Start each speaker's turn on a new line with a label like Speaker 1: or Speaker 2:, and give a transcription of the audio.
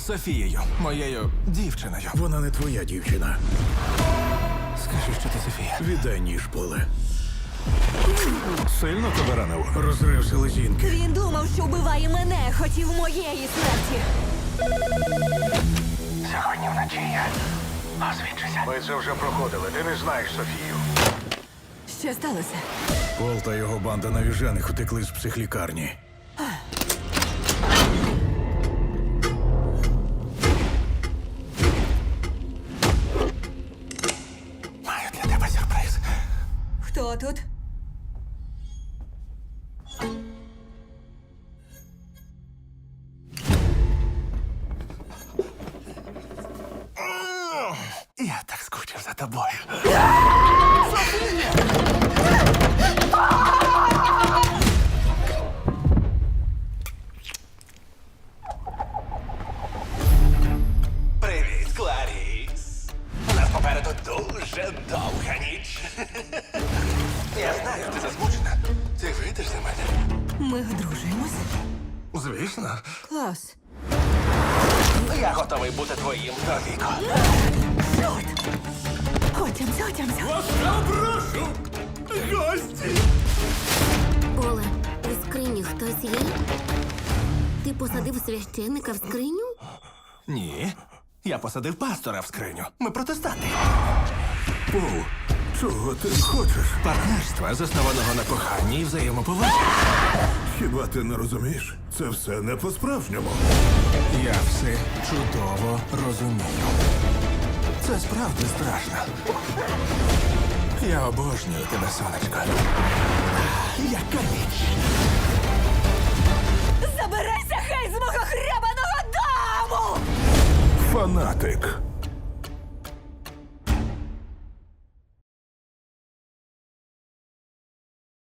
Speaker 1: з Софією, моєю дівчиною.
Speaker 2: Вона не твоя дівчина.
Speaker 1: Скажи, що ти Софія.
Speaker 2: Віддай ніж, Поле.
Speaker 1: Сильно тебе ранило?
Speaker 2: Розрив селезінки.
Speaker 3: Він думав, що вбиває мене, хотів моєї смерті.
Speaker 1: Сьогодні вночі я освідчуся.
Speaker 2: Ми це вже проходили. Ти не знаєш Софію.
Speaker 3: Що сталося?
Speaker 2: Пол та його банда навіжених утекли з психлікарні.
Speaker 1: Маю для тебе сюрприз.
Speaker 3: Хто тут?
Speaker 1: Я так скучив за тобою.
Speaker 4: Привіт, Кларіс. У нас попереду дуже довга ніч. Я знаю, ти засмучена. Ти вийдеш за мене?
Speaker 3: Ми одружуємось?
Speaker 1: Звісно.
Speaker 3: Клас.
Speaker 4: Я готовий бути твоїм довіко.
Speaker 3: Чорт! Отямся.
Speaker 1: Прошу! Гості!
Speaker 5: Оле, у скрині хтось є? Ти посадив священника в скриню?
Speaker 1: Ні. Я посадив пастора в скриню. Ми протестанти.
Speaker 2: Пол, чого ти хочеш?
Speaker 1: Партнерства, заснованого на коханні і взаємоповазі.
Speaker 2: Хіба ти не розумієш? Це все не по-справжньому.
Speaker 1: Я все чудово розумію. Це справді страшно. Я обожнюю тебе, сонечко. Яка ніч!
Speaker 3: Забирайся, хай, з мого хребаного дому!
Speaker 2: Фанатик.